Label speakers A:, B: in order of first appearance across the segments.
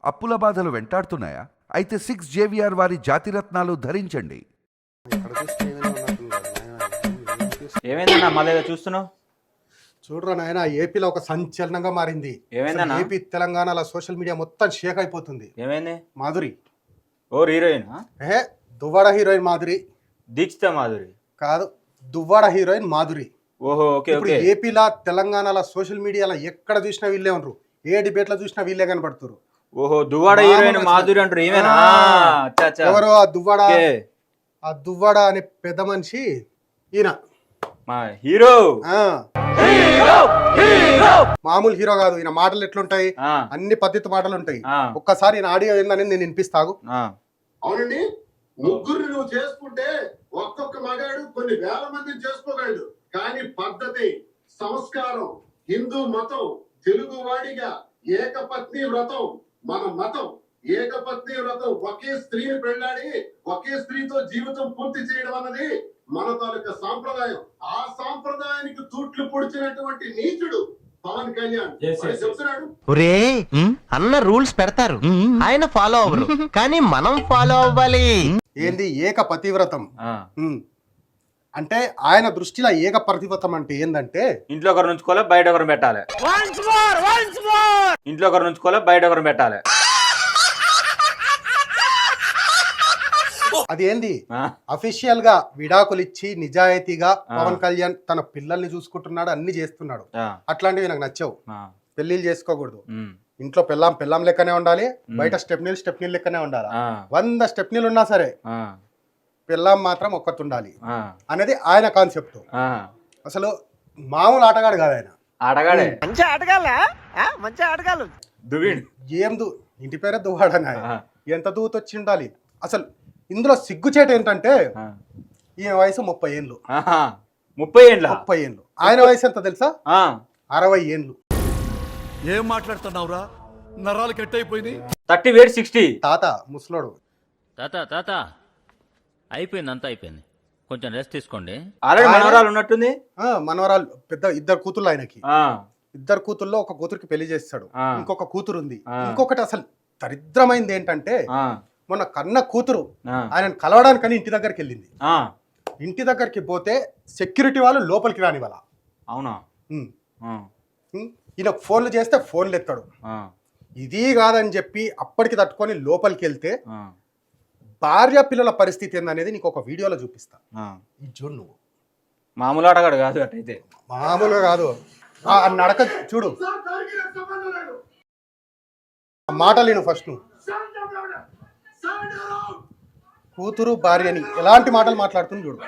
A: అప్పుల బాధలు వెంటాడుతున్నాయా? అయితే 6 JVR వారి జాతిరత్నాలు ధరించండి.
B: ఏమైందన్నా మళ్ళీ చూస్తున్నావు?
C: చూడరా నాయన, ఏపీలో ఒక సంచలనంగా మారింది.
B: ఏమైందన్నా?
C: ఏపీ తెలంగాణలో సోషల్ మీడియా మొత్తం షేక్ అయిపోతుంది.
B: ఏమైంది?
C: మాధురి
B: హీరోయిన్
C: దువ్వాడ హీరోయిన్ మాధురి
B: దీక్షిత మాధురి
C: కాదు, దువ్వాడ హీరోయిన్ మాధురి.
B: ఓహో ఓకే
C: ఇప్పుడు
B: ఓకే.
C: ఏపీలో తెలంగాణలో సోషల్ మీడియాలో ఎక్కడ చూసినా వీళ్ళే ఉండరు, ఏ డిబేట్ లో చూసినా వీళ్ళే కనపడుతున్నారు.
B: ఓహో దువ్వాడ హీరోయిన్ మాధురి అంటారు. ఏమైనా
C: ఎవరు ఆ దువ్వాడ అనే పెద్ద మనిషి ఈయన
B: హీరో.
C: మామూలు హీరో కాదు. ఈయన మాటలు ఎట్లుంటాయి, అన్ని పద్ధతి మాటలు ఉంటాయి. ఒక్కసారి ఈయన ఆడియో ఏందని నేను వినిపిస్తాగు.
D: అవునండి, ముగ్గురు నువ్వు చేసుకుంటే ఒక్కొక్క మగాడు కొన్ని వేల మందిని చేసుకోగలడు. కానీ పద్ధతి, సంస్కారం, హిందూ మతం, తెలుగు వాడిగా ఏకపత్ని వ్రతం మన మతం. ఏకపత్ని వ్రతం, ఒకే స్త్రీని పెళ్ళాడి ఒకే స్త్రీతో జీవితం పూర్తి చేయడం అన్నది మన తాలూకా సాంప్రదాయం. ఆ సాంప్రదాయానికి తూట్లు పొడిచినటువంటి నీచుడు పవన్ కళ్యాణ్ చెప్తున్నాడు.
E: ఒరే అన్న రూల్స్ పెడతారు, ఆయన ఫాలో అవ్వరు, కానీ మనం ఫాలో అవ్వాలి.
C: ఏంది ఏక పతివ్రతం అంటే? ఆయన దృష్టిలో ఏక పతివ్రతం అంటే ఏందంటే,
B: ఇంట్లో ఒకరు నుంచుకోలే, బయట ఒకరు పెట్టాలి. ఇంట్లో ఒకరు నుంచుకోలే, బయట ఒకరు పెట్టాలి.
C: అది ఏంది? అఫీషియల్ గా విడాకులు ఇచ్చి నిజాయితీగా పవన్ కళ్యాణ్ తన పిల్లల్ని చూసుకుంటున్నాడు, అన్ని చేస్తున్నాడు. అట్లాంటివి నాకు నచ్చవు. పెళ్లిళ్ళు చేసుకోకూడదు. ఇంట్లో పెళ్ళాం లెక్కనే ఉండాలి, బయట స్టెప్నీలు లెక్కనే ఉండాలి. 100 స్టెప్నీలు ఉన్నా సరే పెళ్ళాం మాత్రం ఒక్కటి ఉండాలి అనేది ఆయన కాన్సెప్ట్. అసలు మామూలు ఆటగాడు కాదు ఆయన.
B: ఆటగాడే,
E: మంచి ఆటగాళ్ళు.
C: ఇంటి పేరే దువ్వాడని. ఎంత దూత వచ్చి ఉండాలి అసలు. ఇందులో సిగ్గుచేట ఏంటంటే ఈయన వయసు 30 ఏళ్ళు.
B: 30 ఏళ్ళు.
C: ఆయన వయసు ఎంత తెలుసా? 60 ఏళ్ళు.
F: ఏం మాట్లాడుతున్నావురా? నరాలు కట్ అయిపోయింది.
B: 30 వేట్ 60.
C: తాత ముసలోడు.
G: తాత అయిపోయింది, అంతా అయిపోయింది, కొంచెం రెస్ట్ తీసుకోండి.
B: ఆల్రెడీ మనవరాలు ఉన్నట్టుంది.
C: మనవరాలు పెద్ద 2 కూతుర్లు ఆయనకి. 2 కూతుర్లో ఒక కూతురికి పెళ్లి చేస్తాడు, ఇంకొక కూతురు ఉంది. ఇంకొకటి అసలు దరిద్రమైంది ఏంటంటే, మొన్న కన్న కూతురు ఆయన కలవడానికని ఇంటి దగ్గరికి వెళ్ళింది. ఇంటి దగ్గరికి పోతే సెక్యూరిటీ వాళ్ళు లోపలికి రాని వాళ్ళ.
B: అవునా?
C: ఈయన ఫోన్లు చేస్తే ఫోన్లు ఎత్తాడు. ఇది కాదని చెప్పి అప్పటికి తట్టుకొని లోపలికి వెళ్తే భార్య పిల్లల పరిస్థితి ఏందనేది నీకు ఒక వీడియోలో చూపిస్తా. ఇది చూడు నువ్వు.
B: మామూలు ఆటగాడు కాదు అటైతే.
C: మామూలుగా కాదు. ఆ నడక చూడు, మాటలు నేను ఫస్ట్ నువ్వు. కూతురు భార్యని ఎలాంటి మాటలు మాట్లాడుతుంది చూడు.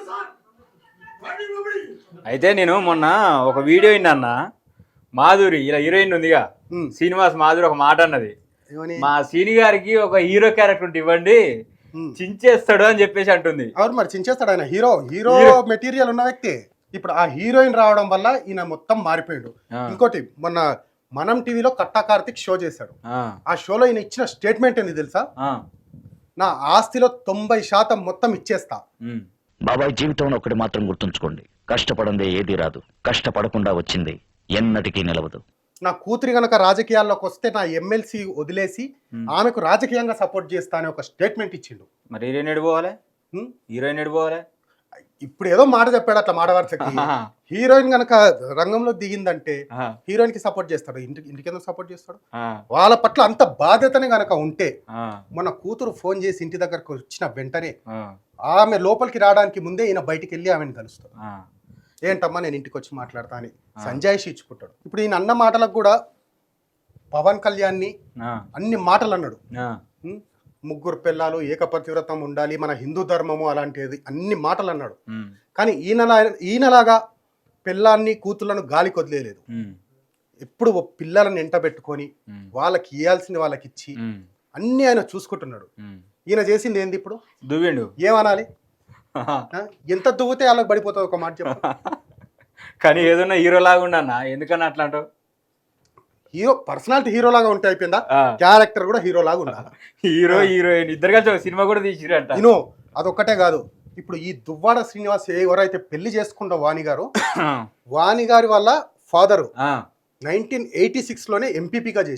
B: అయితే నేను మొన్న ఒక వీడియో విన్నా. మాధురి ఇలా హీరోయిన్ ఉందిగా, శ్రీనివాస్ మాధురి ఒక మాట అన్నది, మా సీని గారికి ఒక హీరో క్యారెక్టర్ ఇవ్వండి, చించేస్తాడు అని చెప్పేసి అంటుంది.
C: అవును, మరి చించేస్తాడు ఆయన. హీరో మెటీరియల్ ఉన్న వ్యక్తి. ఇప్పుడు ఆ హీరోయిన్ రావడం వల్ల ఈయన మొత్తం మారిపోయాడు. ఇంకోటి, మొన్న మనం టీవీలో కట్టా కార్తిక్ షో చేశాడు. ఆ షోలో ఈయన ఇచ్చిన స్టేట్మెంట్ ఏంది తెలుసా? నా ఆస్తిలో 90% మొత్తం ఇచ్చేస్తా.
H: బాబాయ్, జీవితంలో ఒకటి మాత్రం గుర్తుంచుకోండి, కష్టపడందే ఏది రాదు, కష్టపడకుండా వచ్చింది ఎన్నటికీ నిలవదు.
C: నా కూతురి గనక రాజకీయాల్లోకి వస్తే నా ఎమ్మెల్సీ వదిలేసి ఆమెకు రాజకీయంగా సపోర్ట్ చేస్తా అని ఒక స్టేట్మెంట్ ఇచ్చిండు.
B: మరి హీరోయిన్ ఎడిపోవాలి.
C: ఇప్పుడు ఏదో మాట చెప్పాడు, అట్లా మాట వరుసకి. హీరోయిన్ గనక రంగంలో దిగిందంటే హీరోయిన్ కి సపోర్ట్ చేస్తాడు, ఇంటికి ఎందుకు సపోర్ట్ చేస్తాడు? వాళ్ళ పట్ల అంత బాధ్యతనే గనక ఉంటే, మన కూతురు ఫోన్ చేసి ఇంటి దగ్గరకు వచ్చిన వెంటనే ఆమె లోపలికి రావడానికి ముందే ఈయన బయటికి వెళ్ళి ఆమెను కలుస్తాడు. ఏంటమ్మా నేను ఇంటికి వచ్చి మాట్లాడతా అని సంజాయిషి ఇచ్చుకుంటాడు. ఇప్పుడు ఈయన అన్న మాటలకు కూడా పవన్ కళ్యాణ్ని అన్ని మాటలు అన్నాడు. ముగ్గురు పిల్లలు, ఏకపతివ్రతం ఉండాలి, మన హిందూ ధర్మము అలాంటిది, అన్ని మాటలు అన్నాడు. కానీ ఈయనలాగా పిల్లాన్ని కూతుళ్లను గాలికి వదిలేదు. ఎప్పుడు పిల్లలను ఎంట పెట్టుకొని వాళ్ళకి ఇవ్వాల్సింది వాళ్ళకి ఇచ్చి అన్ని ఆయన చూసుకుంటున్నాడు. ఈయన చేసింది ఏంది? ఇప్పుడు
B: దువ్విండు.
C: ఏమనాలి? ఎంత దువ్వుతే వాళ్ళకి పడిపోతుంది, ఒక మాట చెప్పు.
B: కానీ ఏదన్నా హీరో లాగా ఉండన్నా, ఎందుకన్నా అట్లా అంటావు?
C: హీరో పర్సనాలిటీ హీరో లాగా ఉంటే అయిపోయిందా? క్యారెక్టర్ కూడా హీరో లాగా ఉండాలి.
B: హీరో హీరోయిన్ ఇద్దరు కలిసి సినిమా కూడా తీసిరంట.
C: నేను అదొక్కటే కాదు, ఇప్పుడు ఈ దువ్వాడ శ్రీనివాస్ ఎవరైతే పెళ్లి చేసుకుంటా వాణి గారు, వాణి గారి వల్ల ఫాదరు 1986లోనే ఎంపీపీగా చేసిరు.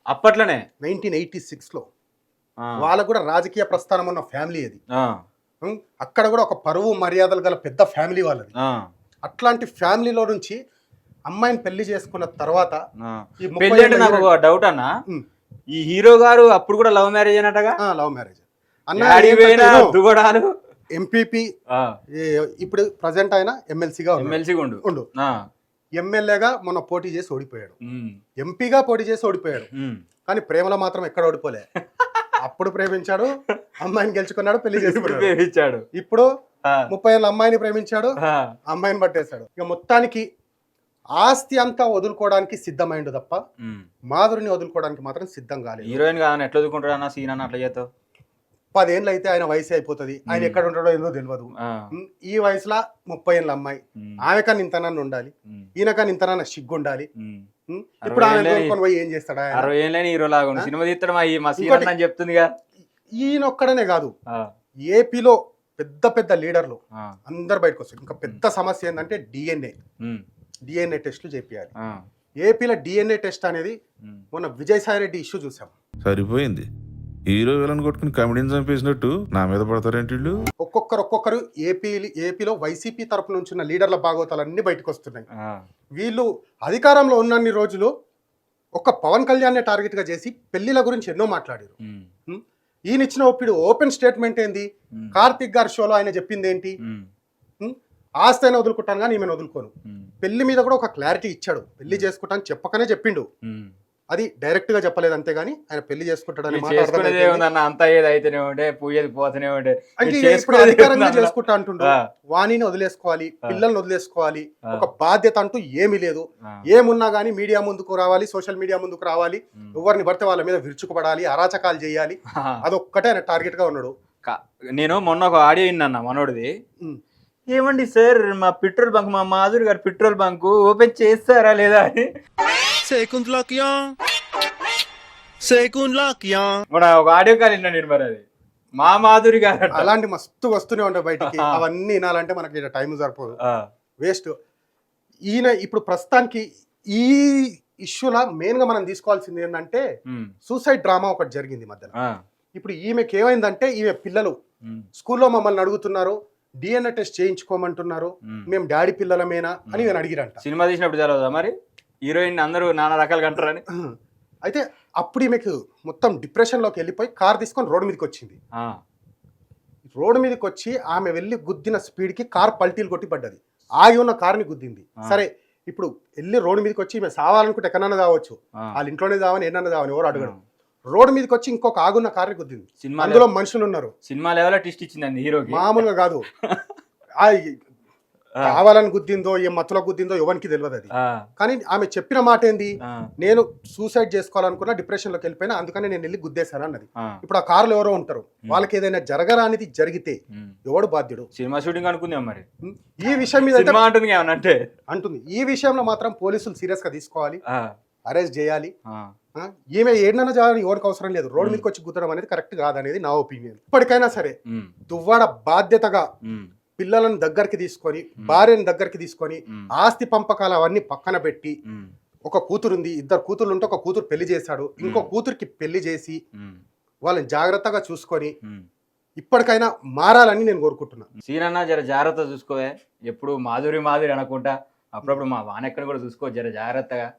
B: అప్పట్లోనే
C: 1986లో.
B: ఆ,
C: వాళ్ళకు కూడా రాజకీయ ప్రస్థానం ఉన్న ఫ్యామిలీ అది.
B: ఆ,
C: అక్కడ కూడా ఒక పరువు మర్యాదలు గల పెద్ద ఫ్యామిలీ వాళ్ళది.
B: ఆ,
C: అట్లాంటి ఫ్యామిలీలో నుంచి అమ్మాయిని పెళ్లి చేసుకున్న తర్వాత
B: ఆ.
C: ఈ
B: పెళ్లి అంటే నాకు ఒక డౌట్ అన్న, ఈ హీరో గారు అప్పుడు కూడా లవ్ మ్యారేజ్ అయినట్టుగా
C: లవ్ మ్యారేజ్
B: దుగడాలు
C: ఎంపీపీ, ఇప్పుడు ప్రజెంట్ ఆయన ఎమ్మెల్సీగా
B: ఎమ్మెల్సీగా ఉండు. ఆ,
C: ఎమ్మెల్యేగా మొన్న పోటీ చేసి ఓడిపోయాడు,
B: ఉమ్,
C: ఎంపీగా పోటీ చేసి ఓడిపోయాడు.
B: ఉమ్.
C: కానీ ప్రేమలో మాత్రం ఎక్కడ ఓడిపోలే. అప్పుడు ప్రేమించాడు, అమ్మాయిని గెలుచుకున్నాడు, పెళ్లి చేసుకున్నాడు.
B: ఇచ్చాడు
C: ఇప్పుడు
B: ఆ,
C: 30 ఏళ్ళ అమ్మాయిని ప్రేమించాడు,
B: ఆ,
C: అమ్మాయిని పట్టేశాడు. ఇక మొత్తానికి ఆస్తి అంతా వదులుకోవడానికి సిద్ధమైండు తప్ప
B: ఉమ్.
C: మాధురిని వదులుకోవడానికి మాత్రం సిద్ధం కాలేదు.
B: హీరోయిన్ కాదని ఎట్లా చదువుకుంటాడు అన్న సీన్ అన్న అట్లా చేస్తావు?
C: 10 ఏళ్ళు అయితే ఆయన వయసు అయిపోతుంది, ఆయన ఎక్కడ ఉంటాడో ఏదో తెలియదు.
B: ఆ,
C: ఈ వయసులో 30 ఏళ్ళ అమ్మాయి,
B: ఉమ్,
C: ఆమె కానీ ఇంతనన్ను ఉండాలి,
B: ఉమ్,
C: ఈయన కానీ ఇంతనన్న సిగ్గు ఉండాలి.
B: ఉమ్.
C: ఇప్పుడు ఆమె
B: 60
C: తోలుకొని పోయి ఏం చేస్తాడా ఆయన?
B: 60 ఏళ్ళని హీరో లాగా ఉండు. సినిమా తీస్తాడు మా సీన్
C: ఇంకోటి-
B: అని చెప్తుందిగా.
C: ఈయన ఒక్కడనే కాదు,
B: ఆ,
C: ఏపీలో పెద్ద పెద్ద లీడర్లు
B: ఆ,
C: అందరు బయటకు వస్తారు. ఇంకా పెద్ద సమస్య ఏంటంటే
B: ఉమ్,
C: డిఎన్ఏ టెస్టులు చేపియాలి.
B: ఆ,
C: ఏపీలో డిఎన్ఏ టెస్ట్ అనేది
B: ఉమ్.
C: మొన్న విజయసాయి రెడ్డి ఇష్యూ చూసాం.
I: సరిపోయింది. హీరో విలన్ కొట్టుకుని కమెడీని చంపేసినట్టు నా మీద పడతారేంటి వీళ్ళు?
C: ఒక్కొక్కరు ఏపీలో వైసీపీ తరపు నుంచి ఉన్న లీడర్ల భాగవతాలన్నీ బయటకు వస్తున్నాయి.
B: ఆ,
C: వీళ్ళు అధికారంలో ఉన్నన్ని రోజులు ఒక పవన్ కళ్యాణ్ టార్గెట్ గా చేసి పెళ్లిల గురించి ఎన్నో మాట్లాడారు.
B: ఉమ్,
C: ఈయన ఇచ్చిన ఇప్పుడు ఓపెన్ స్టేట్మెంట్ ఏంది?
B: ఉమ్.
C: కార్తిక్ గారి షోలో ఆయన చెప్పింది ఏంటి?
B: ఉమ్,
C: ఆస్తి అయినా వదులుకుంటాను కానీ ఈమెను వదులుకోను.
B: ఉమ్,
C: పెళ్లి మీద కూడా ఒక క్లారిటీ ఇచ్చాడు. పెళ్లి చేసుకుంటాను చెప్పకనే చెప్పిండు.
B: ఉమ్.
C: అది డైరెక్ట్ గా చెప్పలేదు, అంతేగాని ఆయన పెళ్లి చేసుకుంటాడు అనే
B: ఇది
C: మాట
B: చేసుకునేది
C: అర్థమైంది.
B: ఏముందన్న, అంతా ఏది అయితేనే ఉండే, పోయేది పోతూనే ఉండే.
C: అంటే
B: ఇది
C: ఇప్పుడు
B: చేసుకునేది
C: అధికారంగా
B: ఏముందన్న?
C: చేసుకుంటా అంటుండు.
B: ఆ,
C: వాణిని వదిలేసుకోవాలి,
B: ఆ.
C: పిల్లల్ని వదిలేసుకోవాలి,
B: ఆ.
C: ఒక బాధ్యత అంటూ ఏమీ లేదు.
B: ఆ,
C: ఏమున్నా కానీ మీడియా ముందుకు రావాలి, సోషల్ మీడియా ముందుకు రావాలి,
B: ఉమ్.
C: ఎవరిని పడితే వాళ్ళ మీద విరుచుకుపడాలి, అరాచకాలు చేయాలి.
B: ఆ.
C: అదొక్కటే ఆయన టార్గెట్ గా ఉన్నాడు.
B: నేను మొన్న ఒక ఆడియో విన్నా మనోడిది.
C: ఉమ్.
B: ఏమండి సార్, మా పెట్రోల్ బంక్, మా మాధురి గారు పెట్రోల్ బంక్ ఓపెన్ చేస్తారా లేదా అని మన ఒక ఆడియో కాల్ విన్నా నేను. మరి అది మా మాధురి గారు
C: అలాంటి మస్తు వస్తూనే ఉంటాయి బయటికి. అవన్నీ వినాలంటే మనకి టైం సరిపోదు, వేస్ట్. ఈయన ఇప్పుడు ప్రస్తుతానికి ఈ ఇష్యూలా మెయిన్ గా మనం తీసుకోవాల్సింది ఏంటంటే సూసైడ్ డ్రామా ఒకటి జరిగింది మధ్యలో. ఇప్పుడు ఈమెకి ఏమైందంటే, ఈమె పిల్లలు స్కూల్లో మమ్మల్ని అడుగుతున్నారు, డిఎన్ఏ టెస్ట్ చేయించుకోమంటున్నారు, మేము డాడీ పిల్లలమేనా అని నేను అడిగిరంట.
B: సినిమా తీసినప్పుడు తెలవదా మరి హీరోయిన్ అందరూ నానా రకాలుగా అంటారని?
C: అయితే అప్పుడు ఈమెకు మొత్తం డిప్రెషన్ లోకి వెళ్ళిపోయి కార్ తీసుకొని రోడ్డు మీదకి వచ్చింది. రోడ్డు మీదకి వచ్చి ఆమె వెళ్ళి గుద్దిన స్పీడ్ కి కార్ పల్టీలు కొట్టి పడ్డది. ఆగి ఉన్న కార్ని గుద్దింది. సరే, ఇప్పుడు వెళ్ళి రోడ్డు మీదకి వచ్చి ఈమె సావాలనుకుంటే ఎక్కడన్నా కావచ్చు, వాళ్ళ ఇంట్లోనే కావని ఎన్నన్నా కావని ఎవరు అడగడం. రోడ్డు మీదకి వచ్చి ఇంకొక ఆగున్న కార్ని గుద్దింది. అందులో మనుషులు ఉన్నారు.
B: సినిమా లెవెల్ ట్విస్ట్ ఇచ్చిందండి హీరోకి.
C: మామూలుగా కాదు, కావాలని గుద్దిందో ఏ మత్తులో గుద్దిందో ఎవరికి తెలియదు అది. కానీ ఆమె చెప్పిన మాట ఏంది? నేను సూసైడ్ చేసుకోవాలనుకున్నా, డిప్రెషన్ లోకి వెళ్ళిపోయినా, అందుకని నేను వెళ్ళి గుద్దేశాను అన్నది. ఇప్పుడు ఆ కారులో ఎవరో ఉంటారు, వాళ్ళకి ఏదైనా జరగరానిది జరిగితే ఎవడు బాధ్యుడు?
B: సినిమా షూటింగ్ అనుకుందాం మరి.
C: ఈ విషయం మీద
B: అంటుంది.
C: ఈ విషయంలో మాత్రం పోలీసులు సీరియస్ గా తీసుకోవాలి, అరెస్ట్ చేయాలి. ఈమె ఏడన్నా చేయాలని ఎవరికి అవసరం లేదు. రోడ్డు మీదకి వచ్చి గుద్దడం అనేది కరెక్ట్ కాదనేది నా ఒపీనియన్. ఇప్పటికైనా సరే దువ్వాడ బాధ్యతగా పిల్లలను దగ్గరికి తీసుకొని, భార్యను దగ్గరికి తీసుకొని, ఆస్తి పంపకాలు అవన్నీ పక్కన పెట్టి, ఒక కూతురుంది, 2 కూతుర్లు ఉంటే ఒక కూతురు పెళ్లి చేశాడు, ఇంకో కూతురికి పెళ్లి చేసి వాళ్ళని జాగ్రత్తగా చూసుకొని ఇప్పటికైనా మారాలని నేను కోరుకుంటున్నా.
B: సీనన్నా జర జాగ్రత్త చూసుకోవే, ఎప్పుడు మాధురి మాధురి అనుకుంటా, అప్పుడప్పుడు మా వానెక్కడ కూడా చూసుకో జర జాగ్రత్తగా.